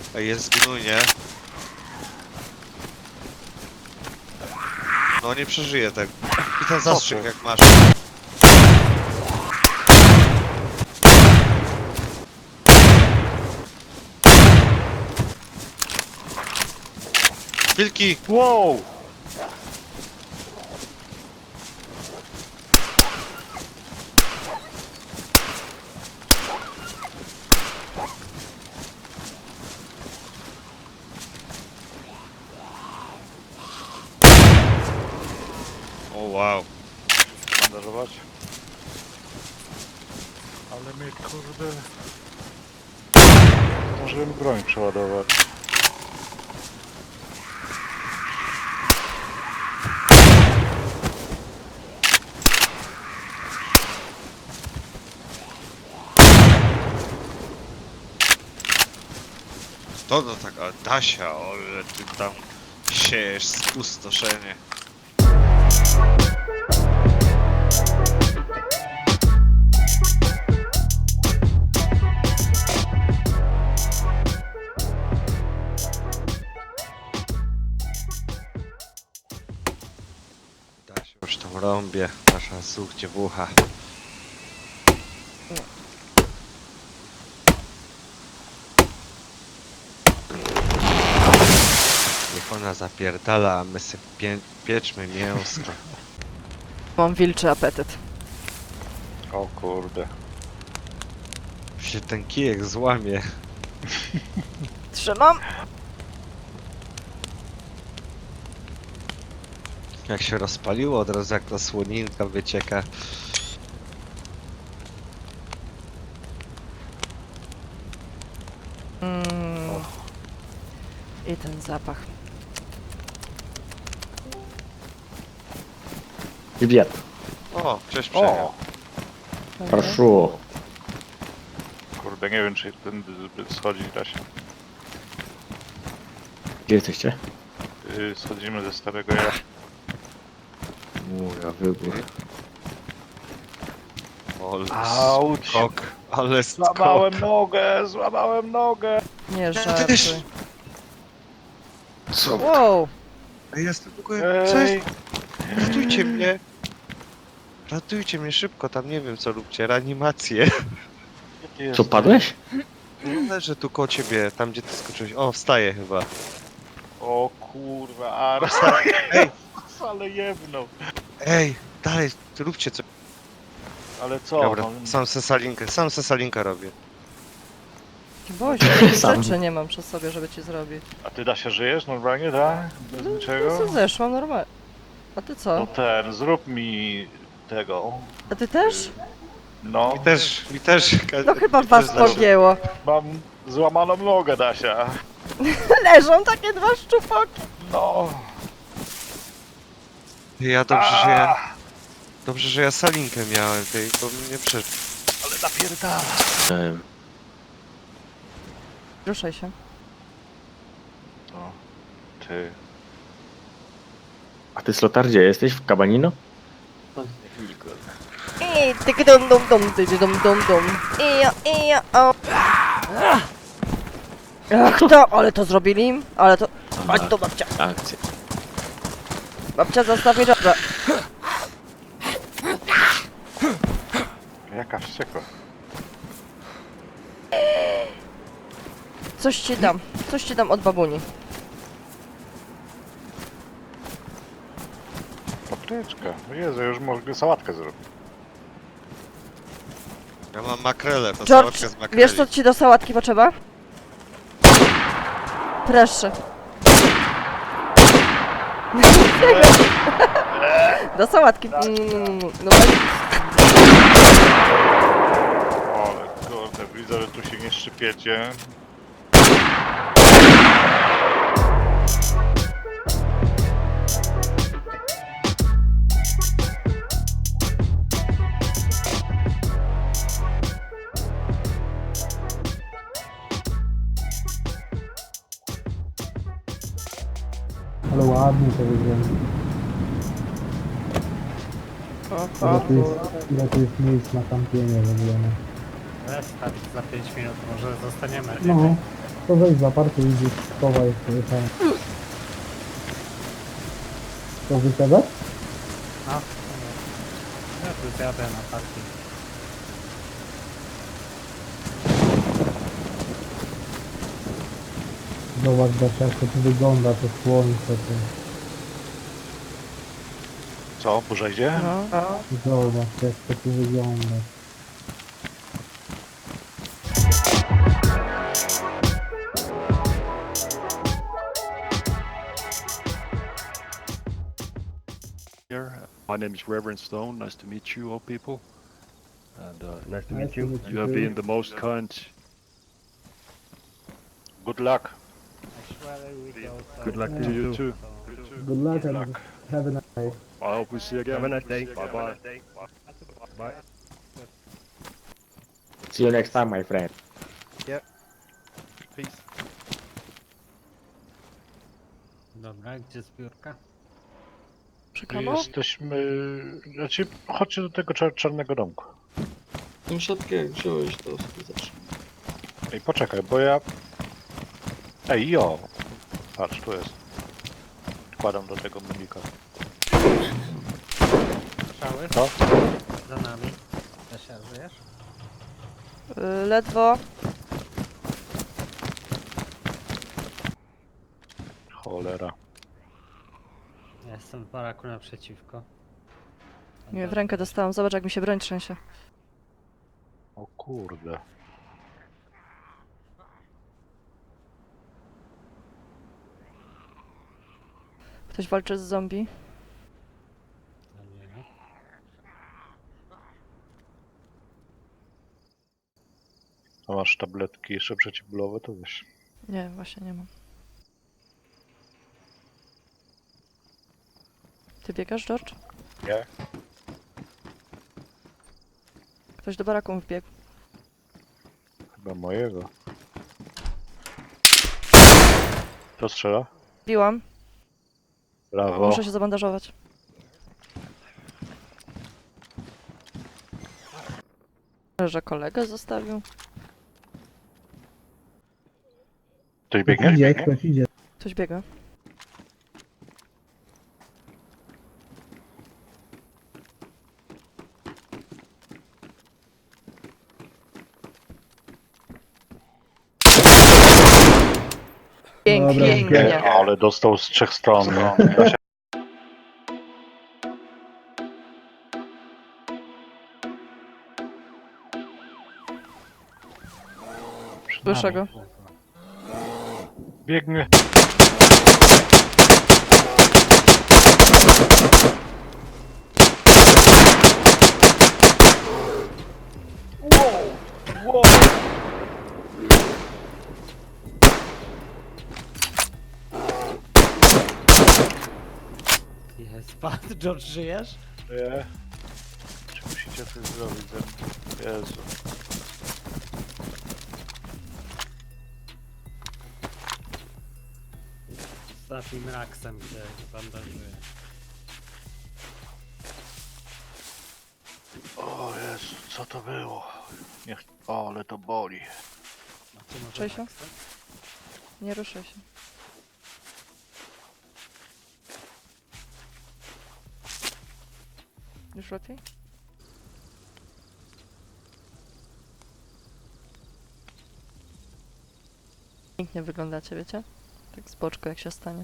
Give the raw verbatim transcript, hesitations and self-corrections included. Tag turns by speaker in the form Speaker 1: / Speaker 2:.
Speaker 1: Ej, jest gnój, nie? No nie przeżyje tego. I ten zastrzyk jak masz. Wilki!
Speaker 2: Wow!
Speaker 1: O wow.
Speaker 2: Bandażować. Ale mnie kurde... Możemy broń przeładować.
Speaker 1: To to taka Dasia, ale ty tam siejesz spustoszenie. Dasia już tam rąbie, nasza słuch dziewucha. Niech ona zapierdala, a my sobie pie pieczmy mięsko.
Speaker 3: Mam wilczy apetyt.
Speaker 2: O kurde.
Speaker 1: Się ten kijek złamie.
Speaker 3: Trzymam.
Speaker 1: Jak się rozpaliło, od razu jak ta słoninka wycieka.
Speaker 3: Mm. I ten zapach.
Speaker 4: Привет.
Speaker 1: O, cześć przejechał.
Speaker 2: O!
Speaker 4: Хорошо.
Speaker 2: Kurde, nie wiem czy ten schodzi da się.
Speaker 4: Gdzie jesteście?
Speaker 2: Yy, schodzimy ze starego ja.
Speaker 4: Mój wybór.
Speaker 1: Ale
Speaker 2: Auć!
Speaker 1: skok, ale skok.
Speaker 2: Złamałem nogę, złamałem nogę!
Speaker 3: Nie żartuj.
Speaker 4: Co?
Speaker 3: Wow.
Speaker 1: Ej, Jestem w ogóle... Co
Speaker 2: Ej!
Speaker 1: jest? Ratujcie mnie! Ratujcie mnie szybko, tam nie wiem co róbcie, reanimację.
Speaker 2: Gdzie ty
Speaker 4: Co,
Speaker 2: jesteś?
Speaker 4: padłeś?
Speaker 1: Leżę tu koło ciebie, tam gdzie ty skoczyłeś. O, wstaję chyba.
Speaker 2: O kurwa, a
Speaker 1: Ej,
Speaker 2: ale jebnął.
Speaker 1: ej, dalej, róbcie co.
Speaker 2: Ale co?
Speaker 1: Dobra,
Speaker 2: No,
Speaker 1: sam sesalinkę, sam sesalinkę robię.
Speaker 3: Boże, takich
Speaker 4: Sam.
Speaker 3: rzeczy nie mam przy sobie, żeby ci zrobić.
Speaker 2: a ty da się żyjesz normalnie, tak? Bez
Speaker 3: No,
Speaker 2: niczego?
Speaker 3: co zeszłam normalnie. A ty
Speaker 2: No
Speaker 3: co?
Speaker 2: ten, zrób mi tego.
Speaker 3: A ty też?
Speaker 2: No,
Speaker 1: Mi też, mi też.
Speaker 3: No chyba
Speaker 1: mi
Speaker 3: was
Speaker 1: też zeszło.
Speaker 3: pogięło.
Speaker 2: mam złamaną nogę, Dasia.
Speaker 3: Leżą takie dwa szczupoki.
Speaker 2: No.
Speaker 1: Ja dobrze, że ja...
Speaker 2: A,
Speaker 1: Dobrze, że ja salinkę miałem tej, bo mnie przeszło.
Speaker 2: ale napierdala.
Speaker 4: Em,
Speaker 3: Ruszaj się.
Speaker 2: No, ty.
Speaker 4: A ty Slotar gdzie jesteś? W Cabanino?
Speaker 3: I tyk dum dum dum tyk dum dum dum. I ja, i ja, o. Ach to, ale to zrobili? Ale to... Chodź tu babcia.
Speaker 4: Akcja.
Speaker 3: Babcia zostaw mi żabę.
Speaker 2: Jaka wściekła.
Speaker 3: Coś ci dam. Coś ci dam od babuni.
Speaker 2: Papryczka. O Jezu, już mogę sałatkę zrobić.
Speaker 1: Ja mam makrelę, to
Speaker 3: George,
Speaker 1: sałatkę z makreli.
Speaker 3: wiesz co ci do sałatki potrzeba? Proszę. Do sałatki. Mm, no tak.
Speaker 2: Ale kurde, widzę, że tu się nie szczypiecie.
Speaker 5: Ale ładnie to wygląda.
Speaker 3: O,
Speaker 5: Ile
Speaker 3: o,
Speaker 5: tu jest, ile tu jest miejsc na kampienie w ogóle. No.
Speaker 6: Restart za pięć minut, może zostaniemy.
Speaker 5: No, to weź za parku i gdzieś schowaj sobie tam. To wysiadać?
Speaker 6: No, ja tu zjadę na parking.
Speaker 5: Zobacz, Dasia, jak to tu wygląda, to słońce, to...
Speaker 2: Co, burza idzie?
Speaker 3: No.
Speaker 5: Zobacz, jak to tu wygląda.
Speaker 7: Here. My name is Reverend Stone. Nice to meet you, all people. And uh,
Speaker 5: Nice to meet you.
Speaker 7: you have been the most kind.
Speaker 2: Good luck.
Speaker 6: Actually, we go so-
Speaker 7: Good luck
Speaker 5: Yeah.
Speaker 7: to you too.
Speaker 5: Good luck and have a nice day.
Speaker 7: I hope we see you again. Have a nice day. Bye bye. Bye.
Speaker 4: See you next time, my friend.
Speaker 2: Peace.
Speaker 6: Dobra, gdzie zbiórka?
Speaker 3: Przy
Speaker 2: My
Speaker 3: komu?
Speaker 2: jesteśmy... Znaczy, chodźcie do tego czar czarnego domku.
Speaker 8: Tą siatkę jak wziąłeś, to sobie zacznij.
Speaker 2: Ej, poczekaj, bo ja... Ej, jo! Patrz, tu jest. Wkładam do tego mulika.
Speaker 6: Strzały?
Speaker 2: Co?
Speaker 6: Za nami. Kasia, żyjesz?
Speaker 3: Y, ledwo.
Speaker 2: Cholera.
Speaker 6: Ja jestem w baraku naprzeciwko.
Speaker 3: Nie, w rękę dostałam. Zobacz, jak mi się broń trzęsie.
Speaker 2: O kurde.
Speaker 3: Ktoś walczy z zombie.
Speaker 6: Dobra.
Speaker 2: A masz tabletki jeszcze przeciwbólowe, to weź.
Speaker 3: Nie, właśnie nie mam. Ty biegasz, George?
Speaker 2: Nie?
Speaker 3: Ktoś do baraku wbiegł.
Speaker 2: Chyba mojego. Kto strzela?
Speaker 3: Biłam.
Speaker 2: Brawo.
Speaker 3: Muszę się zabandażować. Że kolegę zostawił.
Speaker 2: Ktoś biegnie?
Speaker 5: Idzie,
Speaker 2: Biegnie?
Speaker 5: ktoś idzie.
Speaker 3: Ktoś biega. Pięknie.
Speaker 5: Dobra,
Speaker 3: Pięknie.
Speaker 2: Ale dostał z trzech stron. No.
Speaker 3: Słyszę go.
Speaker 2: Biegnie.
Speaker 6: Jest pan, George, żyjesz?
Speaker 2: Nie. Czy musicie coś zrobić ze mną? Jezu.
Speaker 6: Ostatnim raksem, gdzie bandażuję.
Speaker 2: O Jezu, co to było? Niech... O, ale to boli.
Speaker 6: A ty może
Speaker 3: Czesio?
Speaker 6: raksem?
Speaker 3: Nie ruszaj się. Już lepiej? Pięknie wyglądacie, wiecie? Tak z boczku, jak się stanie.